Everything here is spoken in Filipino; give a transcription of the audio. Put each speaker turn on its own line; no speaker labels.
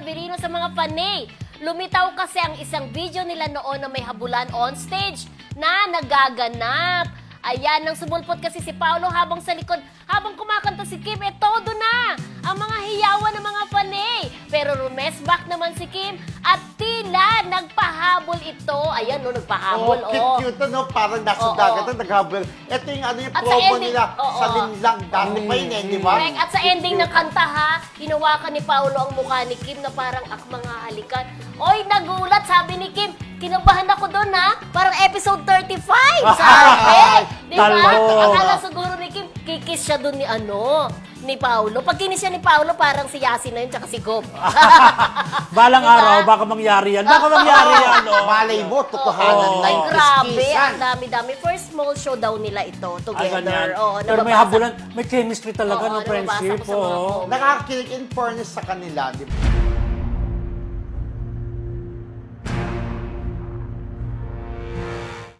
Severino sa mga panay. Lumitaw kasi ang isang video nila noon na may habulan on stage na nagaganap. Ayan, nang sumulpot kasi si Paolo habang sa likod, habang kumakanta si Kim, todo na ang mga hiyawan ng mga panay. Pero rumesback naman si Kim at tila nagpahabol ito. Ayan, no, nagpahabol.
Cute, no? Parang nasa dagat na naghabol. Ito yung ano yung
At sa
promo
ending,
nila sa linlang. Dati pa yun, di ba?
Correct. At sa ending ng kanta ha, hinawakan ni Paolo ang mukha ni Kim na parang mga halikan. Oy, nagulat, sabi ni Kim, kinabahan ako doon ha, parang episode 35, sabi. Di ba? Akala siguro ni Kim, kikis siya doon ni Paolo. Pag kinis siya ni Paolo, parang si Yasin na yun, tsaka si Gob.
Balang
Diba?
araw, baka mangyari yan. Baka mangyari yan, no?
Malay mo, totohanan na
Ay,
yung
grabe.
kiskisan.
Ang dami-dami. First small show daw nila ito,
Ay, ganyan.
together. Oo,
Pero may
nababasa-
habulan, may chemistry talaga
Oo,
ng
nababasa
friendship.
ko sa mga
Oo.
comments.
Nakakakilig in fairness sa kanila, di ba?